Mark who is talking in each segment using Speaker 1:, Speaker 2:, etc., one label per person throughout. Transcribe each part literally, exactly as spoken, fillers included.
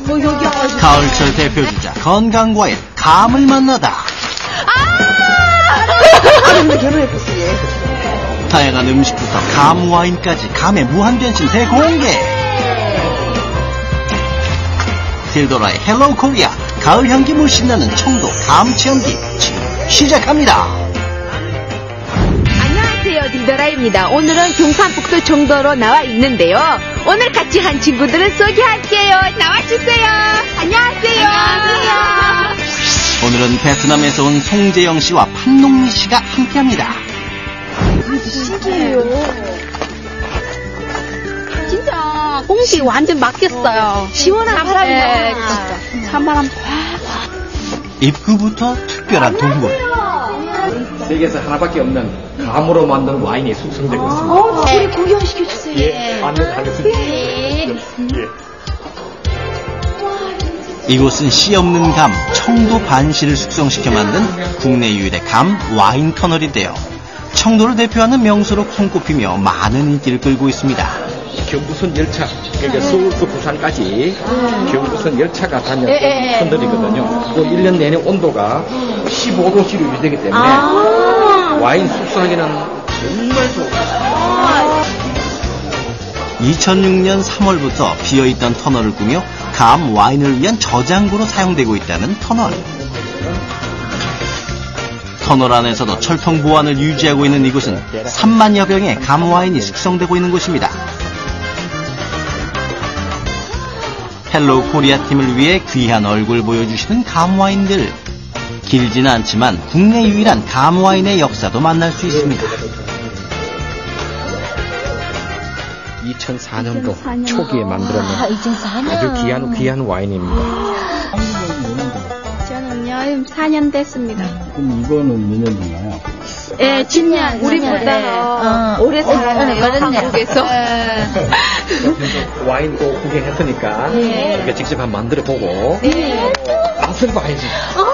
Speaker 1: 뭐 여기
Speaker 2: 가을철 대표주자 건강과의 감을 만나다.
Speaker 1: 아! 결혼했었어요.
Speaker 2: 다양한 음식부터 감 와인까지 감의 무한 변신 대공개. 딜도라의 헬로우 코리아 가을 향기 물씬 나는 청도 감 체험기 지금 시작합니다.
Speaker 3: 안녕하세요, 딜도라입니다. 오늘은 경상북도 청도로 나와 있는데요. 오늘 같이 한 친구들을 소개할게요. 나와주세요. 안녕하세요. 안녕하세요.
Speaker 2: 오늘은 베트남에서 온 송재영 씨와 판농리 씨가 함께합니다.
Speaker 1: 신기해요.
Speaker 3: 진짜 공기 완전 막혔어요. 시원한 바람이
Speaker 1: 네,
Speaker 3: 진짜 찬바람.
Speaker 2: 입구부터 특별한 동굴.
Speaker 4: 세계에서 하나밖에 없는 감으로 만든 와인이 숙성되고 있습니다.
Speaker 1: 어, 우리 구경시켜주세요.
Speaker 4: 예, 안내하겠습니다.
Speaker 1: 네.
Speaker 4: 예.
Speaker 2: 이곳은 씨 없는 감, 청도 반씨를 숙성시켜 만든 국내 유일의 감 와인 터널인데요. 청도를 대표하는 명소로 손꼽히며 많은 인기를 끌고 있습니다.
Speaker 4: 경부선 열차, 그러니까 서울부터 부산까지 경부선 열차가 다녔던 터널이거든요. 또 일 년 내내 온도가 십오 도씨로 유지되기 때문에
Speaker 1: 아~
Speaker 4: 와인 숙성하기는 정말 좋습니다.
Speaker 2: 이천육 년 삼월부터 비어있던 터널을 꾸며 감 와인을 위한 저장고로 사용되고 있다는 터널. 터널 안에서도 철통 보안을 유지하고 있는 이곳은 삼만여 병의 감 와인이 숙성되고 있는 곳입니다. 헬로우 코리아 팀을 위해 귀한 얼굴 보여주시는 감 와인들. 길지는 않지만 국내 유일한 감 와인의 역사도 만날 수 있습니다.
Speaker 4: 이천사 년도 초기에 만들어낸
Speaker 1: 아, 이천사 년.
Speaker 4: 아주 귀한 귀한 와인입니다.
Speaker 3: 저는요, 사 년 됐습니다.
Speaker 5: 그럼 이거는 몇 년 됐나요?
Speaker 3: 예, 십 년. 우리보다
Speaker 1: 어.
Speaker 3: 오래 살았네요,
Speaker 1: 어,
Speaker 3: 한국에서.
Speaker 4: 와인도 구경했으니까
Speaker 3: 네.
Speaker 4: 이렇게 직접 한번 만들어 보고
Speaker 3: 네.
Speaker 4: 맛을 봐야지.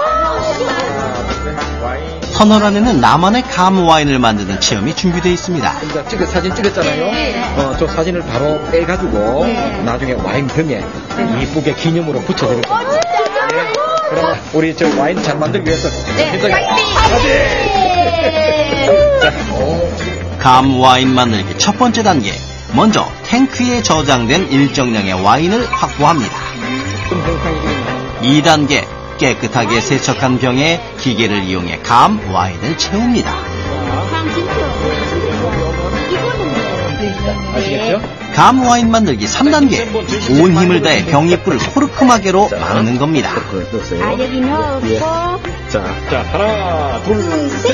Speaker 2: 터널 안에는 나만의 감 와인을 만드는 체험이 준비되어 있습니다.
Speaker 4: 이제 찍어 사진 찍었잖아요.
Speaker 3: 네.
Speaker 4: 어, 저 사진을 바로 빼가지고
Speaker 3: 네.
Speaker 4: 나중에 와인 병에 이쁘게 기념으로 붙여드릴 겁니다. 네. 그럼 우리 저 와인 잘 만들기 위해서 굉장히
Speaker 2: 감 와인 만들기 첫 번째 단계. 먼저 탱크에 저장된 일정량의 와인을 확보합니다. 이 단계. 깨끗하게 세척한 병에 기계를 이용해 감 와인을 채웁니다.
Speaker 4: 아시겠죠?
Speaker 2: 감 와인 만들기 삼 단계. 온 힘을 다해 병 입구를 코르크마개로 막는 겁니다.
Speaker 3: 아, 여기 넣고.
Speaker 4: 예. 자, 자, 하나, 둘, 셋.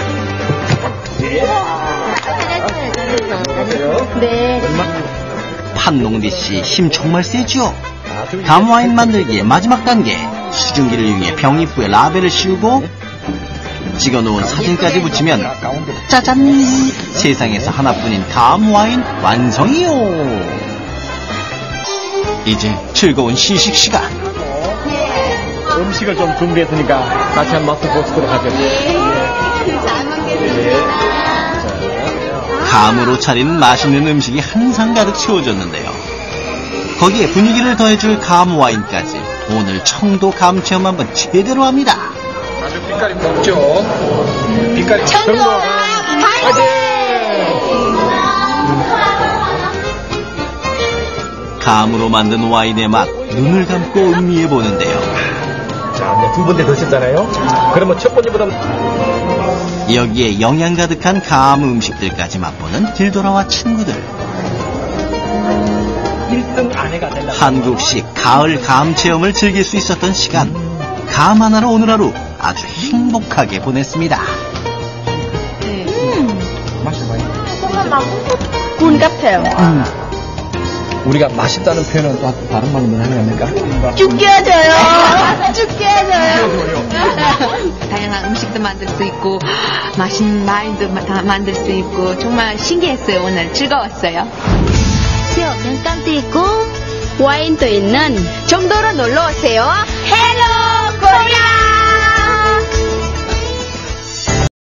Speaker 3: 네.
Speaker 2: 판농리 씨 힘 정말 세죠? 감 와인 만들기의 마지막 단계. 수증기를 이용해 병 입구에 라벨을 씌우고 찍어놓은 사진까지 붙이면 짜잔! 세상에서 하나뿐인 감 와인 완성이요! 이제 즐거운 시식 시간.
Speaker 4: 음식을 좀 준비했으니까 같이 한 맛을 보시도록 하죠.
Speaker 3: 잘 먹겠습니다.
Speaker 2: 감으로 차린 맛있는 음식이 한상 가득 채워졌는데요. 거기에 분위기를 더해줄 감 와인까지 오늘 청도 감 체험 한번 제대로 합니다.
Speaker 4: 아주 빛깔이 높죠. 빛깔이
Speaker 3: 청도
Speaker 4: 화이팅!
Speaker 2: 감으로 만든 와인의 맛 눈을 감고 음미해 보는데요.
Speaker 4: 자, 이제 두 번째 드셨잖아요. 그러면 첫 번째보다
Speaker 2: 여기에 영양 가득한 감 음식들까지 맛보는 딜도라와 친구들.
Speaker 4: 일 등 아내가 되려고.
Speaker 2: 한국식 가을 감 체험을 즐길 수 있었던 시간. 감 하나로 오늘 하루 아주 행복하게 보냈습니다.
Speaker 3: 군 같아요.
Speaker 4: 음. 우리가 맛있다는 표현은 또 다른 말로 하는 겁니까?
Speaker 3: 죽 깨져요. 죽 깨져요. 다양한 음식도 만들 수 있고 맛있는 와인도 다 만들 수 있고 정말 신기했어요. 오늘 즐거웠어요.
Speaker 6: 면감도 있고 와인도 있는
Speaker 3: 청도로 놀러 오세요. 헬로 코리아.